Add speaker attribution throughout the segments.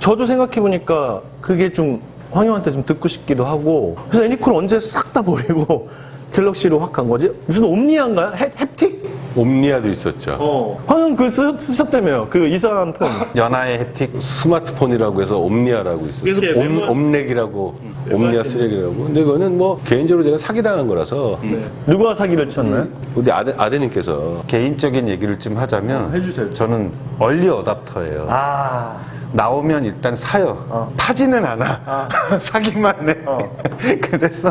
Speaker 1: 저도 생각해보니까 그게 좀 황영한테 좀 듣고 싶기도 하고 그래서 애니콜 언제 싹 다 버리고 갤럭시로 확 간 거지? 무슨 옴니아인가요? 햅틱?
Speaker 2: 옴니아도 있었죠.
Speaker 1: 황영 그거 쓰셨다며요. 그 이상한 폰.
Speaker 3: 연하의 햅틱.
Speaker 2: 스마트폰이라고 해서 옴니아라고 있었어요.
Speaker 1: 그래서
Speaker 2: 옴렉이라고, 옴니아 쓰레기라고. 근데 그거는 뭐 개인적으로 제가 사기당한 거라서
Speaker 1: 누가 사기를 쳤나요?
Speaker 2: 우리 아드님께서
Speaker 3: 개인적인 얘기를 좀 하자면
Speaker 1: 해주세요.
Speaker 3: 저는 얼리 어답터예요. 나오면 일단 사요. 파지는 않아. 사기만 해. 그래서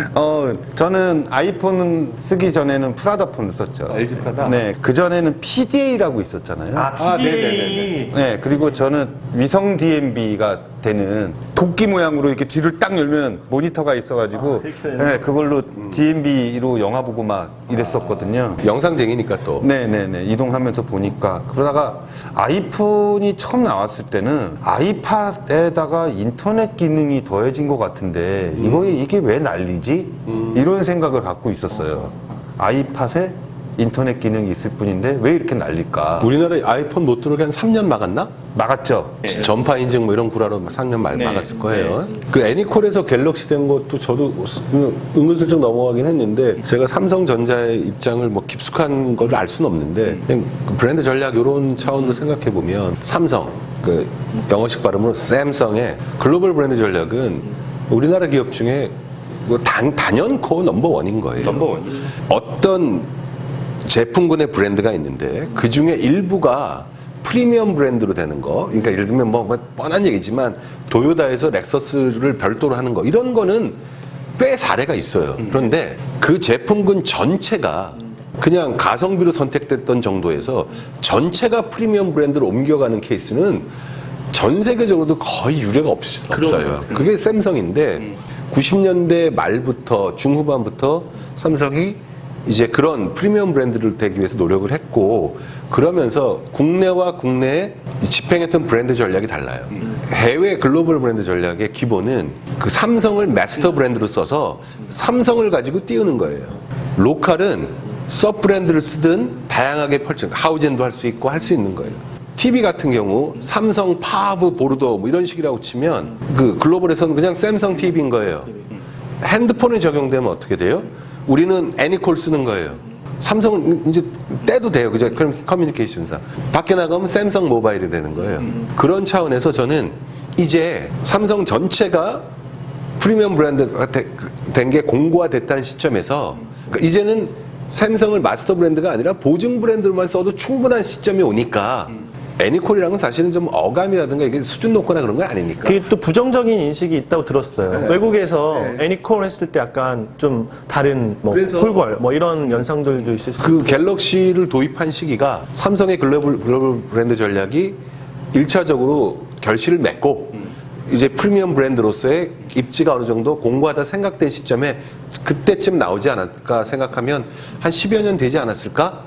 Speaker 3: 저는 아이폰은 쓰기 전에는 프라다 폰을 썼죠.
Speaker 2: LG 프라다?
Speaker 3: 네, 그 전에는 PDA라고 있었잖아요.
Speaker 2: 네네네.
Speaker 3: 네, 그리고 저는 위성 DMB가 되는 도끼 모양으로 이렇게 뒤를 딱 열면 모니터가 있어가지고 네, 그걸로 DMB로 영화 보고 막 이랬었거든요.
Speaker 2: 영상쟁이니까 또.
Speaker 3: 네네네, 이동하면서 보니까. 그러다가 아이폰이 처음 나왔을 때는 아이팟에다가 인터넷 기능이 더해진 것 같은데 이게 왜 난리지? 이런 생각을 갖고 있었어요. 아이팟에 인터넷 기능이 있을 뿐인데 왜 이렇게 난릴까?
Speaker 2: 우리나라에 아이폰 못 들어오게 한 3년 막았나?
Speaker 3: 막았죠.
Speaker 2: 전파 인증 뭐 이런 구라로 3년 막았을 거예요. 그 애니콜에서 갤럭시 된 것도 저도 은근슬쩍 넘어가긴 했는데 제가 삼성전자의 입장을 뭐 깊숙한 걸 알 수는 없는데 그냥 브랜드 전략 이런 차원으로 생각해 보면 삼성 그 영어식 발음으로 샘성의 글로벌 브랜드 전략은 우리나라 기업 중에 뭐 단연코 넘버원인 거예요.
Speaker 3: 넘버원이죠.
Speaker 2: 어떤 제품군의 브랜드가 있는데 그 중에 일부가 프리미엄 브랜드로 되는 거, 그러니까 예를 들면 뭐 뻔한 얘기지만 도요다에서 렉서스를 별도로 하는 거 이런 거는 꽤 사례가 있어요. 그런데 그 제품군 전체가 그냥 가성비로 선택됐던 정도에서 전체가 프리미엄 브랜드로 옮겨가는 케이스는 전 세계적으로도 거의 유례가 없어요. 그게 샘성인데 90년대 말부터 중후반부터 삼성이 이제 그런 프리미엄 브랜드를 되기 위해서 노력을 했고 그러면서 국내와 국내에 집행했던 브랜드 전략이 달라요. 해외 글로벌 브랜드 전략의 기본은 그 삼성을 마스터 브랜드로 써서 삼성을 가지고 띄우는 거예요. 로컬은 서브 브랜드를 쓰든 다양하게 하우젠도 할 수 있고 할 수 있는 거예요. TV 같은 경우 삼성, 파브, 보르도 뭐 이런 식이라고 치면 그 글로벌에서는 그냥 샘성 TV인 거예요. 핸드폰에 적용되면 어떻게 돼요? 우리는 애니콜 쓰는 거예요. 삼성은 이제 떼도 돼요. 그죠? 그럼 커뮤니케이션사. 밖에 나가면 샘성 모바일이 되는 거예요. 그런 차원에서 저는 이제 삼성 전체가 프리미엄 브랜드가 된 게 공고화됐다는 시점에서 그러니까 이제는 샘성을 마스터 브랜드가 아니라 보증 브랜드로만 써도 충분한 시점이 오니까 애니콜이랑은 사실은 좀 어감이라든가 이게 수준 높거나 그런 거 아닙니까?
Speaker 1: 그게 또 부정적인 인식이 있다고 들었어요. 외국에서 애니콜 했을 때 약간 좀 다른 뭐 폴걸 뭐 이런 연상들도 있을 수
Speaker 2: 그 갤럭시를 도입한 시기가 삼성의 글로벌 브랜드 전략이 1차적으로 결실을 맺고 이제 프리미엄 브랜드로서의 입지가 어느 정도 공고하다 생각된 시점에 그때쯤 나오지 않았을까 생각하면 한 10여 년 되지 않았을까?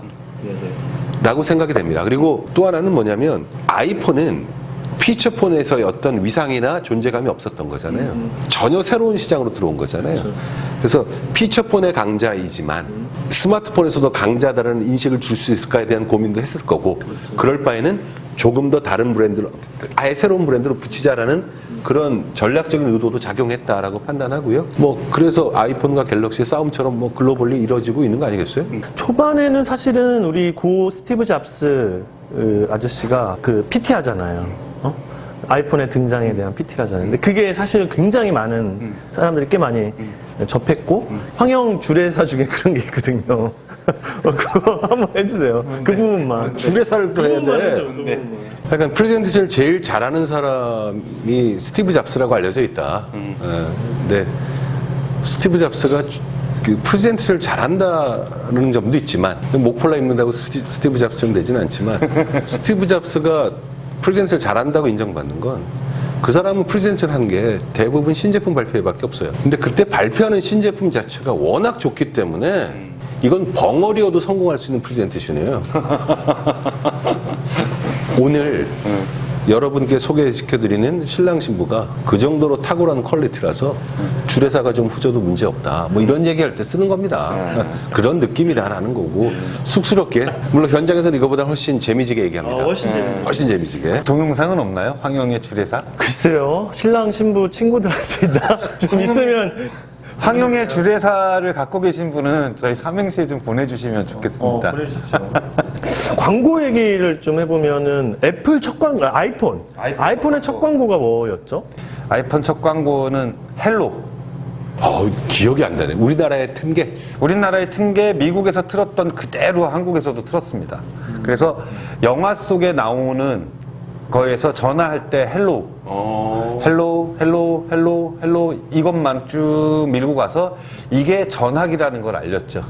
Speaker 2: 라고 생각이 됩니다. 그리고 또 하나는 뭐냐면 아이폰은 피처폰에서의 어떤 위상이나 존재감이 없었던 거잖아요. 전혀 새로운 시장으로 들어온 거잖아요. 그래서 피처폰의 강자이지만 스마트폰에서도 강자다라는 인식을 줄 수 있을까에 대한 고민도 했을 거고 그럴 바에는 조금 더 다른 브랜드로 아예 새로운 브랜드로 붙이자라는 그런 전략적인 의도도 작용했다라고 판단하고요. 뭐 그래서 아이폰과 갤럭시의 싸움처럼 뭐 글로벌리 이루어지고 있는 거 아니겠어요?
Speaker 1: 초반에는 사실은 우리 고 스티브 잡스 아저씨가 그 PT 하잖아요. 아이폰의 등장에 대한 PT를 하잖아요. 근데 그게 사실 굉장히 많은 사람들이 꽤 많이 접했고 황영 주례사 중에 그런 게 있거든요. 그거 한번 해주세요. 그 부분만.
Speaker 2: 주례사를 또 해야 돼. 약간 프레젠테이션을 제일 잘하는 사람이 스티브 잡스라고 알려져 있다. 근데 스티브 잡스가 그 프레젠테이션을 잘한다는 점도 있지만 목폴라 입는다고 스티브 잡스처럼 되지는 않지만 스티브 잡스가 프레젠테이션을 잘한다고 인정받는 건 그 사람은 프레젠테이션 한 게 대부분 신제품 발표회밖에 없어요. 근데 그때 발표하는 신제품 자체가 워낙 좋기 때문에 이건 벙어리여도 성공할 수 있는 프레젠테이션이에요. 오늘 여러분께 소개시켜드리는 신랑 신부가 그 정도로 탁월한 퀄리티라서 주례사가 좀 후져도 문제 없다. 뭐 이런 얘기할 때 쓰는 겁니다. 그런 느낌이다라는 거고 쑥스럽게 물론 현장에서는 이거보다 훨씬 재미지게 얘기합니다. 훨씬 재미지게.
Speaker 3: 동영상은 없나요? 황영의 주례사?
Speaker 1: 글쎄요, 신랑 신부 친구들한테 좀 있으면.
Speaker 3: 황영의 주례사를 갖고 계신 분은 저희 삼행시에 좀 보내주시면 좋겠습니다.
Speaker 1: 보내주십시오. 광고 얘기를 좀 해보면은 애플 첫 광고, 아이폰의 첫 광고가 뭐였죠?
Speaker 3: 아이폰 첫 광고는 헬로.
Speaker 2: 기억이 안 나네. 우리나라에 튼 게.
Speaker 3: 우리나라에 튼 게 미국에서 틀었던 그대로 한국에서도 틀었습니다. 그래서 영화 속에 나오는 거에서 전화할 때 헬로, 헬로 이것만 쭉 밀고 가서 이게 전화기라는 걸 알렸죠.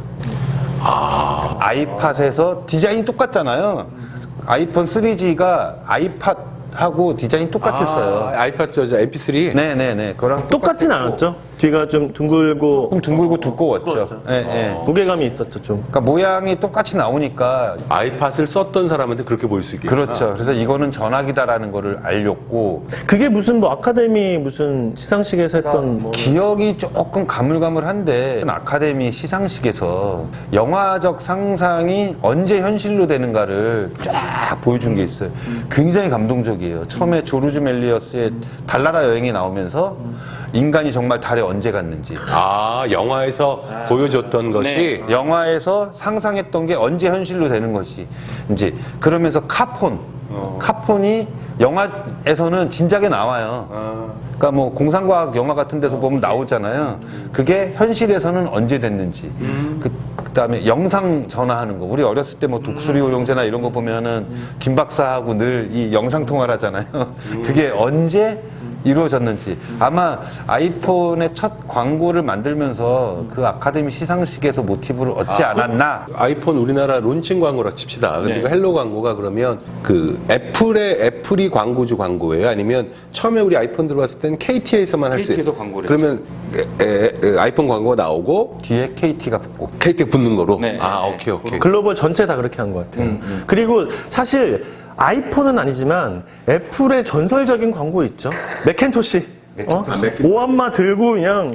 Speaker 3: 아이팟에서 디자인이 똑같잖아요. 아이폰 3G가 아이팟하고 디자인이 똑같았어요.
Speaker 2: 아이팟 MP3.
Speaker 3: 네네네. 그거랑
Speaker 1: 똑같진 않았죠? 뒤가 좀 둥글고.
Speaker 3: 조금 둥글고 두꺼웠죠. 네.
Speaker 1: 무게감이 있었죠, 좀.
Speaker 3: 그러니까 모양이 똑같이 나오니까
Speaker 2: 아이팟을 썼던 사람한테 그렇게 보일 수 있겠구나.
Speaker 3: 그렇죠. 그래서 이거는 전화기다라는 거를 알렸고
Speaker 1: 그게 무슨 뭐 아카데미 무슨 시상식에서 했던 뭐.
Speaker 3: 기억이 조금 가물가물한데 아카데미 시상식에서 영화적 상상이 언제 현실로 되는가를 쫙 보여준 게 있어요. 굉장히 감동적이에요. 처음에 조르주 멜리어스의 달나라 여행이 나오면서 인간이 정말 달에 언제 갔는지
Speaker 2: 영화에서 보여줬던 것이
Speaker 3: 영화에서 상상했던 게 언제 현실로 되는 것이 이제 그러면서 카폰이 영화에서는 진작에 나와요. 그러니까 뭐 공상과학 영화 같은 데서 보면 나오잖아요. 그게 현실에서는 언제 됐는지. 그다음에 영상 전화하는 거. 우리 어렸을 때 뭐 독수리 오용제나 이런 거 보면은 김 박사하고 늘 이 영상 통화를 하잖아요. 그게 언제 이루어졌는지. 아마 아이폰의 첫 광고를 만들면서 그 아카데미 시상식에서 모티브를 얻지 않았나.
Speaker 2: 아이폰 우리나라 론칭 광고라 칩시다. 근데 그 헬로 광고가 그러면 그 애플이 광고주 광고예요? 아니면 처음에 우리 아이폰 들어왔을 땐 KT에서만 할 수 있어요?
Speaker 3: KT에서 광고를
Speaker 2: 그러면 아이폰 광고가 나오고
Speaker 3: 뒤에 KT가 붙고.
Speaker 2: KT 붙는 거로?
Speaker 3: 네.
Speaker 2: 오케이.
Speaker 1: 글로벌 전체 다 그렇게 한 것 같아요. 그리고 사실 아이폰은 아니지만 애플의 전설적인 광고 있죠. 맥킨토시. 오한마 들고 그냥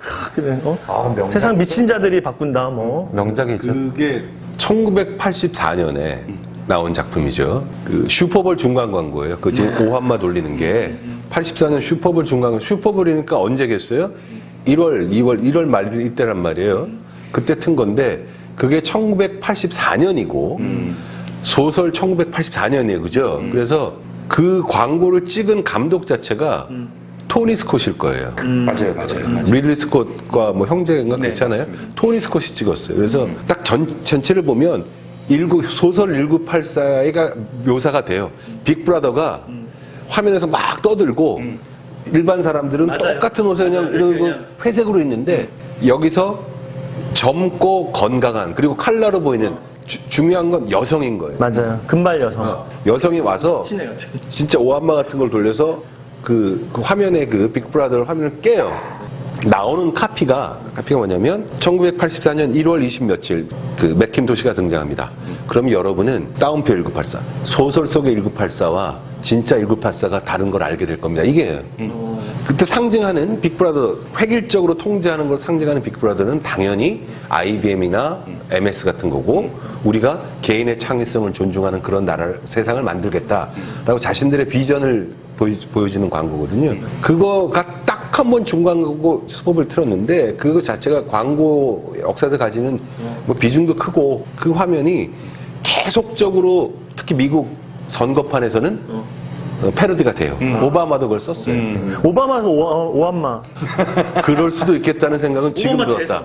Speaker 1: 세상 미친 자들이 바꾼다 뭐.
Speaker 3: 명작이죠.
Speaker 2: 그게 1984년에 나온 작품이죠. 그 슈퍼볼 중간 광고예요. 그 지금 오한마 돌리는 게 84년 슈퍼볼 중간 광고. 슈퍼볼이니까 언제겠어요? 1월 말 이때란 말이에요. 그때 튼 건데 그게 1984년이고 소설 1984년이에요. 그죠? 그래서 그 광고를 찍은 감독 자체가 토니 스콧일 거예요.
Speaker 3: 맞아요.
Speaker 2: 리들리 스콧과 뭐 형제인가 그렇잖아요. 토니 스콧이 찍었어요. 그래서 딱 전체를 보면 소설 1984가 묘사가 돼요. 빅브라더가 화면에서 막 떠들고 일반 사람들은 똑같은 옷에 그냥 이러고 회색으로 있는데 여기서 젊고 건강한 그리고 칼라로 보이는 중요한 건 여성인 거예요.
Speaker 1: 맞아요. 금발 여성.
Speaker 2: 여성이 와서 진짜 오한마 같은 걸 돌려서 그 화면에 그 빅브라더 화면을 깨요. 나오는 카피가 뭐냐면 1984년 1월 20 며칠 그 맥킨토시가 등장합니다. 그럼 여러분은 다운표 1984 소설 속의 1984와 진짜 1984가 다른 걸 알게 될 겁니다. 이게 그때 상징하는 빅브라더 획일적으로 통제하는 걸 상징하는 빅브라더는 당연히 IBM이나 MS 같은 거고 우리가 개인의 창의성을 존중하는 그런 세상을 만들겠다라고 자신들의 비전을 보여주는 광고거든요. 그거가 딱 한 번 중광고 수법을 틀었는데 그거 자체가 광고 역사에서 가지는 뭐 비중도 크고 그 화면이 계속적으로 특히 미국 선거판에서는 패러디가 돼요. 오바마도 그걸 썼어요.
Speaker 1: 오바마에서 오한마.
Speaker 2: 그럴 수도 있겠다는 생각은 지금 들었다.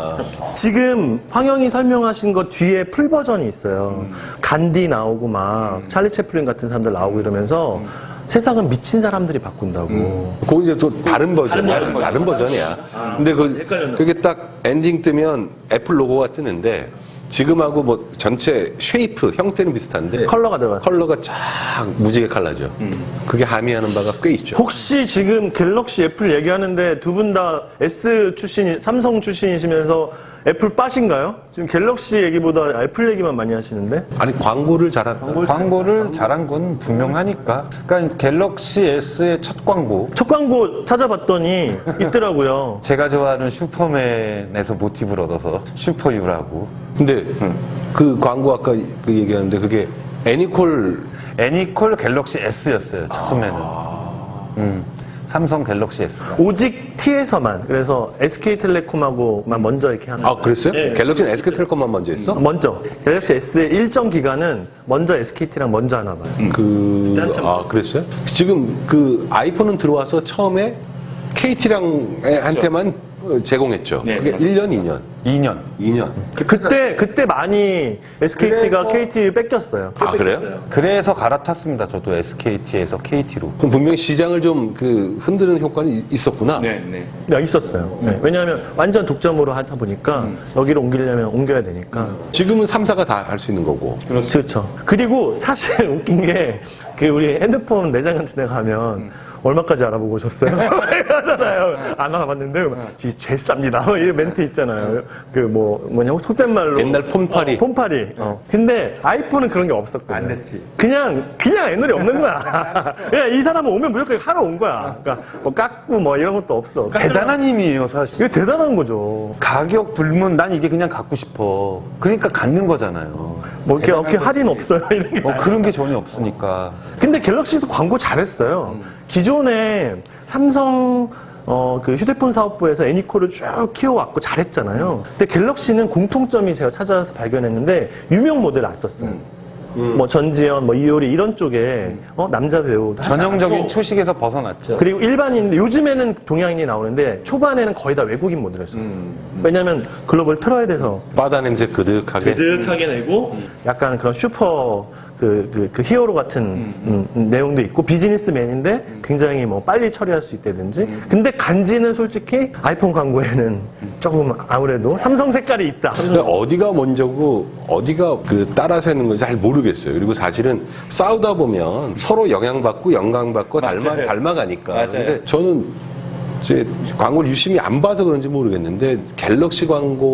Speaker 1: 지금 황영이 설명하신 것 뒤에 풀 버전이 있어요. 간디 나오고 막 찰리 채플린 같은 사람들 나오고 이러면서 세상은 미친 사람들이 바꾼다고.
Speaker 2: 그거 이제 또 다른 버전이야. 다른 버전이야. 근데 그게 딱 엔딩 뜨면 애플 로고가 뜨는데 지금하고 뭐 전체 쉐이프 형태는 비슷한데
Speaker 1: 컬러가 들어갔어요.
Speaker 2: 컬러가 쫙 무지개 칼라죠. 그게 함의하는 바가 꽤 있죠.
Speaker 1: 혹시 지금 갤럭시 애플 얘기하는데 두 분 다 삼성 출신이시면서 애플 빠신가요? 지금 갤럭시 얘기보다 애플 얘기만 많이 하시는데?
Speaker 2: 아니 광고를 잘한
Speaker 3: 광고를 잘한 건 분명하니까. 그러니까 갤럭시 S의 첫 광고.
Speaker 1: 첫 광고 찾아봤더니 있더라고요.
Speaker 3: 제가 좋아하는 슈퍼맨에서 모티브를 얻어서 슈퍼유라고.
Speaker 2: 근데 그 광고 아까 그 얘기하는데 그게
Speaker 3: 애니콜 갤럭시 S였어요, 처음에는. 삼성 갤럭시 S가.
Speaker 1: 오직 T에서만. 그래서 SK텔레콤하고만 먼저 이렇게 하는.
Speaker 2: 아 그랬어요? 갤럭시는 SK텔레콤만 먼저 했어?
Speaker 1: 먼저. 갤럭시 S의 일정 기간은 먼저 SKT랑 먼저 하나 봐요.
Speaker 2: 그랬어요? 지금 그 아이폰은 들어와서 처음에 KT랑 한테만 제공했죠.
Speaker 3: 네,
Speaker 2: 그게 1년, 2년.
Speaker 3: 2년.
Speaker 1: 그때 많이 SKT가 KT 뺏겼어요.
Speaker 2: 아 그래요?
Speaker 3: 그래서 갈아탔습니다. 저도 SKT에서 KT로.
Speaker 2: 그럼 분명히 시장을 좀 그 흔드는 효과는 있었구나.
Speaker 3: 네.
Speaker 1: 네, 있었어요. 네. 왜냐하면 완전 독점으로 하다 보니까 여기로 옮기려면 옮겨야 되니까.
Speaker 2: 지금은 3사가 다 할 수 있는 거고.
Speaker 1: 그렇죠. 그리고 사실 웃긴 게 그 우리 핸드폰 매장 같은 데 가면 얼마까지 알아보고 오셨어요? 하잖아요. 안 알아봤는데 이게 제일 쌉니다. 이 멘트 있잖아요. 그 뭐냐 속된 말로
Speaker 2: 옛날 폰파리.
Speaker 1: 폰파리. 근데 아이폰은 그런 게 없었거든.
Speaker 3: 안 됐지.
Speaker 1: 그냥 애널이 없는 거야. 그냥 이 사람은 오면 무조건 하러 온 거야. 그러니까 뭐 깎고 뭐 이런 것도 없어.
Speaker 3: 대단한 힘이에요, 사실.
Speaker 1: 이게 대단한 거죠.
Speaker 3: 가격 불문, 난 이게 그냥 갖고 싶어. 그러니까 갖는 거잖아요.
Speaker 1: 뭐 이렇게 할인 없어요. 이런 게.
Speaker 3: 그런 게 전혀 없으니까.
Speaker 1: 근데 갤럭시도 광고 잘했어요. 기존에 삼성 그 휴대폰 사업부에서 애니콜을 쭉 키워왔고 잘했잖아요. 근데 갤럭시는 공통점이 제가 찾아서 발견했는데 유명 모델 안 썼어요. 뭐 전지현, 뭐 이효리 이런 쪽에 남자 배우
Speaker 3: 전형적인 초식에서 벗어났죠.
Speaker 1: 그리고 일반인인데 요즘에는 동양인이 나오는데 초반에는 거의 다 외국인 모델을 썼어요. 왜냐면 글로벌 틀어야 돼서
Speaker 2: 바다 냄새 그득하게.
Speaker 1: 그득하게 내고 약간 그런 슈퍼 그 히어로 같은 내용도 있고 비즈니스맨인데 굉장히 뭐 빨리 처리할 수 있다든지. 근데 간지는 솔직히 아이폰 광고에는 조금 아무래도 삼성 색깔이 있다.
Speaker 2: 그러니까 어디가 먼저고 어디가 그 따라서는 건지 잘 모르겠어요. 그리고 사실은 싸우다 보면 서로 영향받고 영광받고 닮아가니까.
Speaker 3: 맞아요.
Speaker 2: 근데 저는 제 광고를 유심히 안 봐서 그런지 모르겠는데 갤럭시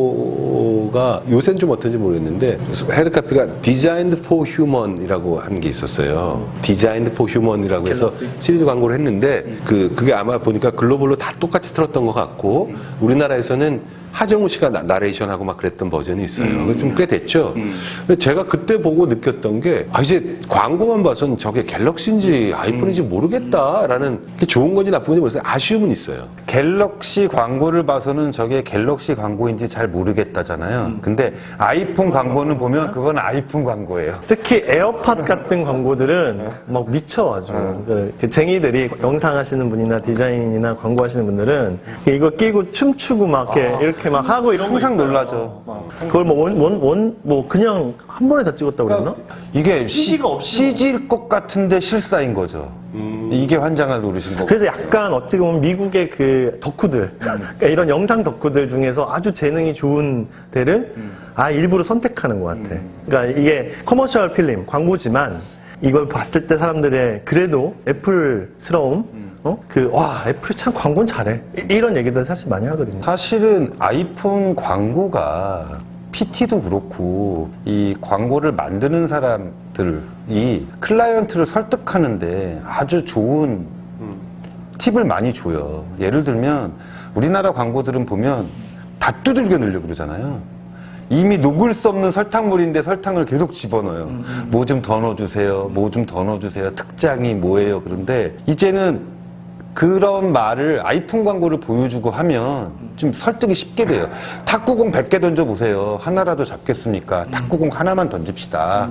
Speaker 2: 광고가 요새는 좀 어떤지 모르겠는데 헤드카피가 Designed for Human이라고 한 게 있었어요. Designed for Human이라고 해서 시리즈 광고를 했는데 그게 아마 보니까 글로벌로 다 똑같이 틀었던 것 같고 우리나라에서는 하정우 씨가 나레이션하고 막 그랬던 버전이 있어요. 좀 꽤 됐죠. 근데 제가 그때 보고 느꼈던 게 이제 광고만 봐선 저게 갤럭시인지 아이폰인지 모르겠다라는 게 좋은 건지 나쁜 건지 모르겠어요. 아쉬움은 있어요.
Speaker 3: 갤럭시 광고를 봐서는 저게 갤럭시 광고인지 잘 모르겠다잖아요. 근데 아이폰 광고는 보면 그건 아이폰 광고예요.
Speaker 1: 특히 에어팟 같은 광고들은 막 미쳐 아주. 그 쟁이들이 영상 하시는 분이나 디자인이나 광고 하시는 분들은 이거 끼고 춤추고 막 이렇게 막 하고 이런 거
Speaker 3: 항상
Speaker 1: 있어요.
Speaker 3: 놀라죠.
Speaker 1: 그걸 뭐 그냥 한 번에 다 찍었다고 그러나?
Speaker 3: 이게
Speaker 1: CG가 없이
Speaker 3: CG일 것 같은데 실사인 거죠. 이게 환장을 노리신 거고.
Speaker 1: 그래서 약간 어찌 보면 미국의 그 덕후들, 그러니까 이런 영상 덕후들 중에서 아주 재능이 좋은 데를 일부러 선택하는 것 같아. 그러니까 이게 커머셜 필름, 광고지만 이걸 봤을 때 사람들의 그래도 애플스러움, 애플 참 광고는 잘해. 이런 얘기들 사실 많이 하거든요.
Speaker 3: 사실은 아이폰 광고가 PT도 그렇고 이 광고를 만드는 사람들이 클라이언트를 설득하는데 아주 좋은 팁을 많이 줘요. 예를 들면 우리나라 광고들은 보면 다 두들겨 넣으려고 그러잖아요. 이미 녹을 수 없는 설탕물인데 설탕을 계속 집어넣어요. 뭐 좀 더 넣어주세요. 뭐 좀 더 넣어주세요. 특장이 뭐예요. 그런데 이제는 그런 말을 아이폰 광고를 보여주고 하면 좀 설득이 쉽게 돼요. 탁구공 100개 던져보세요. 하나라도 잡겠습니까? 탁구공 하나만 던집시다.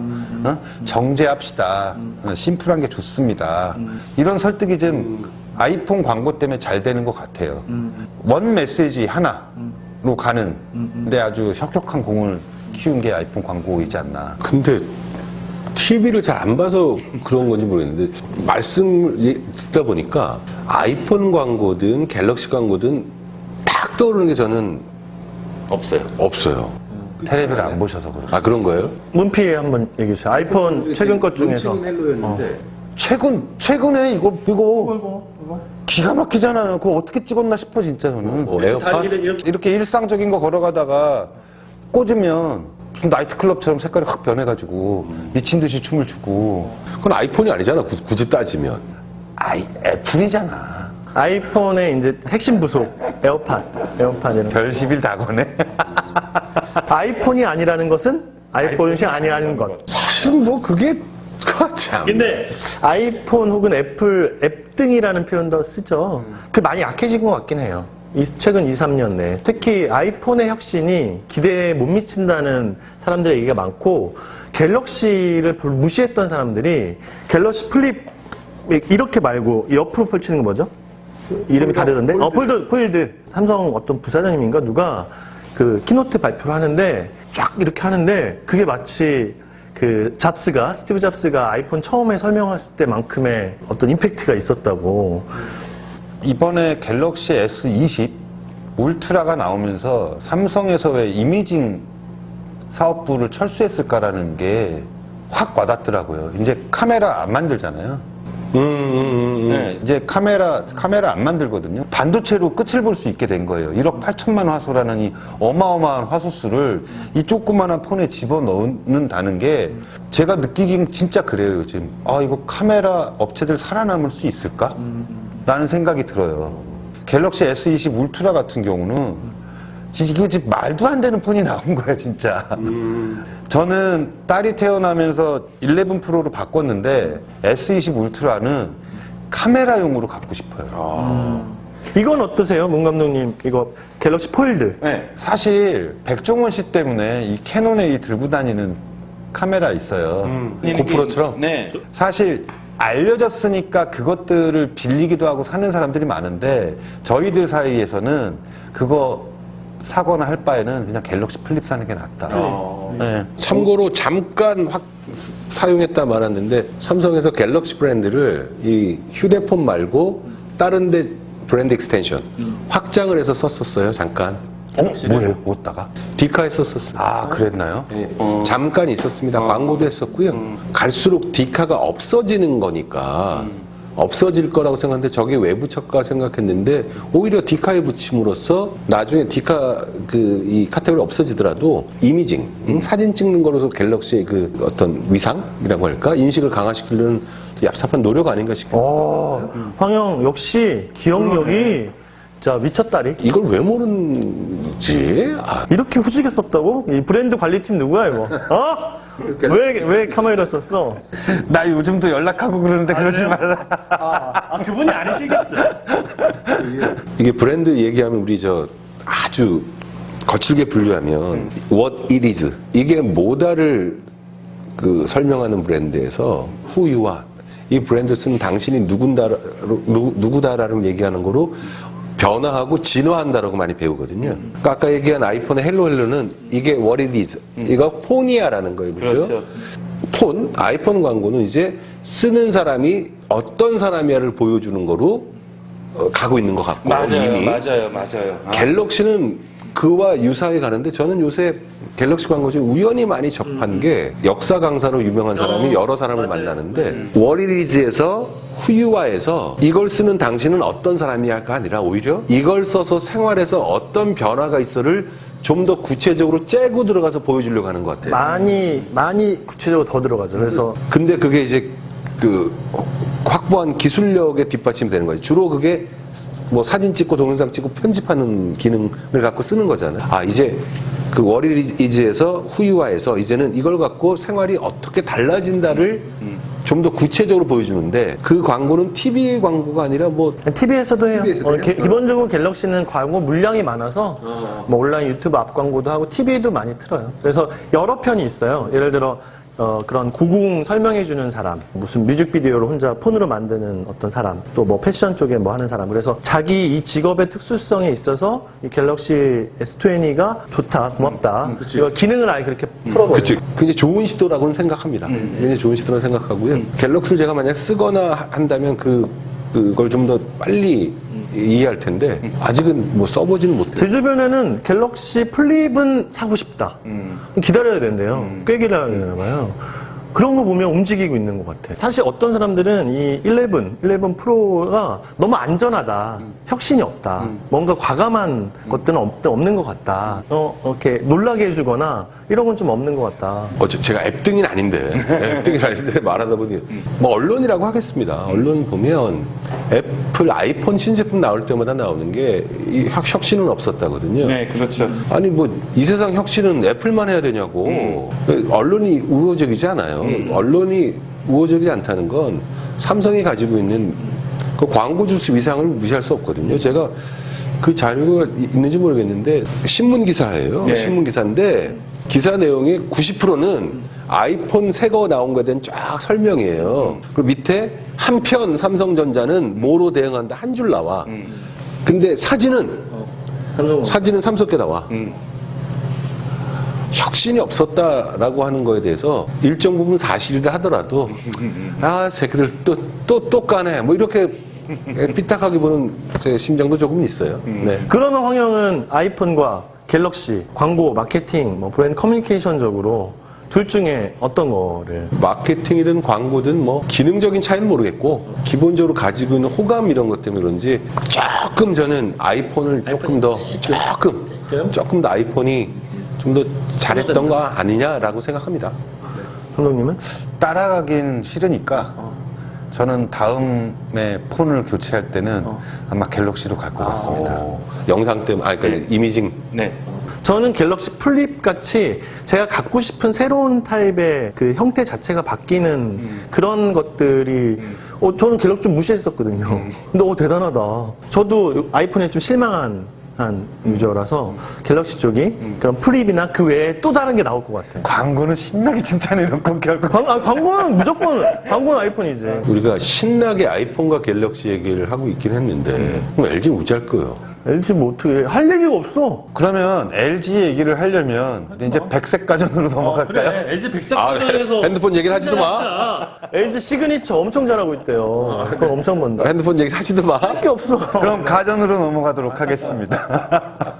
Speaker 3: 정제합시다. 심플한 게 좋습니다. 이런 설득이 좀 아이폰 광고 때문에 잘 되는 것 같아요. 원 메시지 하나로 가는 근데 아주 혁혁한 공을 키운 게 아이폰 광고이지 않나.
Speaker 2: 근데 TV를 잘 안 봐서 그런 건지 모르겠는데 말씀을 듣다 보니까 아이폰 광고든 갤럭시 광고든 딱 떠오르는 게 저는 없어요.
Speaker 3: 텔레비를 안 보셔서 그래요.
Speaker 2: 아 그런 거예요?
Speaker 1: 문피 한번 얘기해 주세요. 아이폰 최근 것 중에서.
Speaker 3: 최근에 이거 기가 막히잖아요. 그거 어떻게 찍었나 싶어 진짜 저는.
Speaker 2: 에어팟?
Speaker 3: 이렇게 일상적인 거 걸어가다가 꽂으면 무슨 나이트클럽처럼 색깔이 확 변해가지고 미친 듯이 춤을 추고.
Speaker 2: 그건 아이폰이 아니잖아. 굳이 따지면.
Speaker 3: 애플이잖아.
Speaker 1: 아이폰의 이제 핵심 부속 에어팟이라는
Speaker 3: 별십일 다 거네.
Speaker 1: 아이폰이 아니라는 것은 아이폰이 아니라는 것.
Speaker 2: 사실 뭐 그게 참.
Speaker 1: 근데 아이폰 혹은 애플 앱 등이라는 표현도 쓰죠. 그 많이 약해진 것 같긴 해요. 최근 2, 3년 내에. 특히 아이폰의 혁신이 기대에 못 미친다는 사람들의 얘기가 많고, 갤럭시를 무시했던 사람들이 갤럭시 플립 이렇게 말고 옆으로 펼치는 거 뭐죠? 이름이 다르던데? 폴드. 삼성 어떤 부사장님인가 누가 그 키노트 발표를 하는데 쫙 이렇게 하는데 그게 마치 그 스티브 잡스가 아이폰 처음에 설명했을 때만큼의 어떤 임팩트가 있었다고.
Speaker 3: 이번에 갤럭시 S20 울트라가 나오면서 삼성에서 왜 이미징 사업부를 철수했을까라는 게 확 와닿더라고요. 이제 카메라 안 만들잖아요. 네, 이제 카메라 안 만들거든요. 반도체로 끝을 볼 수 있게 된 거예요. 1억 8천만 화소라는 이 어마어마한 화소수를 이 조그마한 폰에 집어넣는다는 게 제가 느끼긴 진짜 그래요, 요즘. 아, 이거 카메라 업체들 살아남을 수 있을까? 라는 생각이 들어요. 갤럭시 S20 울트라 같은 경우는 이거 지금 말도 안 되는 폰이 나온 거야, 진짜. 저는 딸이 태어나면서 11 프로로 바꿨는데 S20 울트라는 카메라용으로 갖고 싶어요.
Speaker 1: 이건 어떠세요, 문 감독님? 이거 갤럭시 폴드.
Speaker 3: 네, 사실 백종원 씨 때문에 이 캐논에 이 들고 다니는 카메라 있어요.
Speaker 2: 고프로처럼?
Speaker 3: 네. 사실 알려졌으니까 그것들을 빌리기도 하고 사는 사람들이 많은데 저희들 사이에서는 그거 사거나 할 바에는 그냥 갤럭시 플립 사는 게 낫다. 네.
Speaker 2: 참고로 잠깐 사용했다 말았는데 삼성에서 갤럭시 브랜드를 이 휴대폰 말고 다른 데 브랜드 익스텐션 확장을 해서 썼었어요. 잠깐.
Speaker 3: 뭐예요? 뭐다가?
Speaker 2: 디카에 썼었어요.
Speaker 3: 아, 그랬나요?
Speaker 2: 예, 잠깐 있었습니다. 광고도 했었고요. 갈수록 디카가 없어지는 거니까 없어질 거라고 생각했는데 저게 왜 붙였까 생각했는데 오히려 디카에 붙임으로써 나중에 디카 이 카테고리 없어지더라도 이미징, 사진 찍는 거로서 갤럭시의 그 어떤 위상이라고 할까? 인식을 강화시키려는 얍삽한 노력 아닌가 싶어요.
Speaker 1: 황영 역시 기억력이 진짜 미쳤다리.
Speaker 2: 이걸 왜 모르는지.
Speaker 1: 이렇게 후지게 썼다고? 이 브랜드 관리팀 누구야 이거? 어? 왜 카메라 썼어?
Speaker 3: 나 요즘도 연락하고 그러는데 그러지 말라.
Speaker 1: 그분이 아니시겠죠?
Speaker 2: 이게 브랜드 얘기하면 우리 아주 거칠게 분류하면 what it is 이게 뭐다를 설명하는 브랜드에서 who you are 이 브랜드 쓰는 당신이 누구다라고 얘기하는 거로 변화하고 진화한다라고 많이 배우거든요. 그러니까 아까 얘기한 아이폰의 헬로헬로는 이게 what it is 이거 폰이야라는 거예요. 그렇죠? 폰, 아이폰 광고는 이제 쓰는 사람이 어떤 사람이야를 보여주는 거로 가고 있는 것 같고 이미
Speaker 3: 맞아요.
Speaker 2: 갤럭시는 그와 유사하게 가는데 저는 요새 갤럭시 광고 중에 우연히 많이 접한 게 역사 강사로 유명한 사람이 여러 사람을 만나는데 워리리즈에서 후유화에서 이걸 쓰는 당신은 어떤 사람이야가 아니라 오히려 이걸 써서 생활에서 어떤 변화가 있어를 좀 더 구체적으로 째고 들어가서 보여주려고 하는 것 같아요.
Speaker 1: 많이 구체적으로 더 들어가죠. 그래서
Speaker 2: 근데 그게 이제 확보한 기술력에 뒷받침이 되는 거죠. 주로 그게 뭐 사진 찍고 동영상 찍고 편집하는 기능을 갖고 쓰는 거잖아요. 이제 그 워리리즈에서 후유화해서 이제는 이걸 갖고 생활이 어떻게 달라진다를 좀 더 구체적으로 보여주는데 그 광고는 TV 광고가 아니라 뭐
Speaker 1: TV에서도 해요.
Speaker 2: TV에서도 해요?
Speaker 1: 기본적으로 갤럭시는 광고 물량이 많아서 뭐 온라인 유튜브 앞 광고도 하고 TV도 많이 틀어요. 그래서 여러 편이 있어요. 예를 들어 그런 고궁 설명해주는 사람, 무슨 뮤직비디오를 혼자 폰으로 만드는 어떤 사람, 또 뭐 패션 쪽에 뭐 하는 사람. 그래서 자기 이 직업의 특수성에 있어서 이 갤럭시 S20가 좋다, 고맙다. 이걸 기능을 아예 그렇게 풀어버려요.
Speaker 2: 그치. 굉장히 좋은 시도라고는 생각합니다. 굉장히 좋은 시도라고 생각하고요. 갤럭시를 제가 만약 쓰거나 한다면 그걸 좀 더 빨리 이해할 텐데 아직은 뭐 써보지는 못해요.
Speaker 1: 제 주변에는 갤럭시 플립은 사고 싶다. 기다려야 된대요. 꽤 기다려야 되나 봐요. 그런 거 보면 움직이고 있는 것 같아. 사실 어떤 사람들은 이 11 프로가 너무 안전하다. 혁신이 없다. 뭔가 과감한 것들은 없는 것 같다. 이렇게 놀라게 해주거나 이런 건 좀 없는 것 같다.
Speaker 2: 제가 앱등인 아닌데, 앱등인 아닌데 말하다 보니, 뭐, 언론이라고 하겠습니다. 언론 보면 애플 아이폰 신제품 나올 때마다 나오는 게 이 혁신은 없었다거든요.
Speaker 3: 네, 그렇죠.
Speaker 2: 아니, 뭐, 이 세상 혁신은 애플만 해야 되냐고. 언론이 우호적이지 않아요. 언론이 우호적이지 않다는 건 삼성이 가지고 있는 그 광고 주수 위상을 무시할 수 없거든요. 제가 그 자료가 있는지 모르겠는데, 신문 기사예요.
Speaker 3: 네.
Speaker 2: 신문 기사인데, 기사 내용의 90%는 아이폰 새 거 나온 거에 대한 쫙 설명이에요. 그리고 밑에 한편 삼성전자는 뭐로 대응한다 한 줄 나와. 근데 사진은 삼성께 나와. 혁신이 없었다라고 하는 거에 대해서 일정 부분 사실이라 하더라도 새끼들 또 까네 뭐 이렇게 삐딱하게 보는 제 심정도 조금 있어요. 네.
Speaker 1: 그러면 황영은 아이폰과 갤럭시, 광고, 마케팅, 뭐 브랜드 커뮤니케이션적으로 둘 중에 어떤 거를?
Speaker 2: 마케팅이든 광고든 뭐 기능적인 차이는 모르겠고 기본적으로 가지고 있는 호감 이런 것 때문에 그런지 조금 저는 아이폰을 조금 더 아이폰이 좀 더 잘했던 거 아니냐라고 생각합니다.
Speaker 1: 감독님은?
Speaker 3: 따라가긴 싫으니까 저는 다음에 폰을 교체할 때는 아마 갤럭시로 갈 것 같습니다.
Speaker 2: 영상 때문에, 그러니까 이미징.
Speaker 3: 네.
Speaker 1: 저는 갤럭시 플립 같이 제가 갖고 싶은 새로운 타입의 그 형태 자체가 바뀌는 그런 것들이 저는 갤럭시 좀 무시했었거든요. 근데 대단하다. 저도 아이폰에 좀 실망한 유저라서 갤럭시 쪽이 그런 플립이나 그 외에 또 다른 게 나올 것 같아요.
Speaker 3: 광고는 신나게 칭찬해놓고 결국
Speaker 1: 광고는 무조건 광고는 아이폰이지.
Speaker 2: 우리가 신나게 아이폰과 갤럭시 얘기를 하고 있긴 했는데 그럼 LG는 어찌할 거예요?
Speaker 1: LG 뭐 어떻게 할 얘기가 없어.
Speaker 3: 그러면 LG 얘기를 하려면 이제 백색 가전으로 넘어갈까요?
Speaker 1: LG 백색 버전에서
Speaker 2: 핸드폰 얘기를 하지도 마.
Speaker 1: LG 시그니처 엄청 잘하고 있대요. 그건 엄청 번다.
Speaker 2: 핸드폰 얘기를 하지도 마.
Speaker 1: 할 게 없어.
Speaker 3: 그럼 가전으로 넘어가도록 하겠습니다.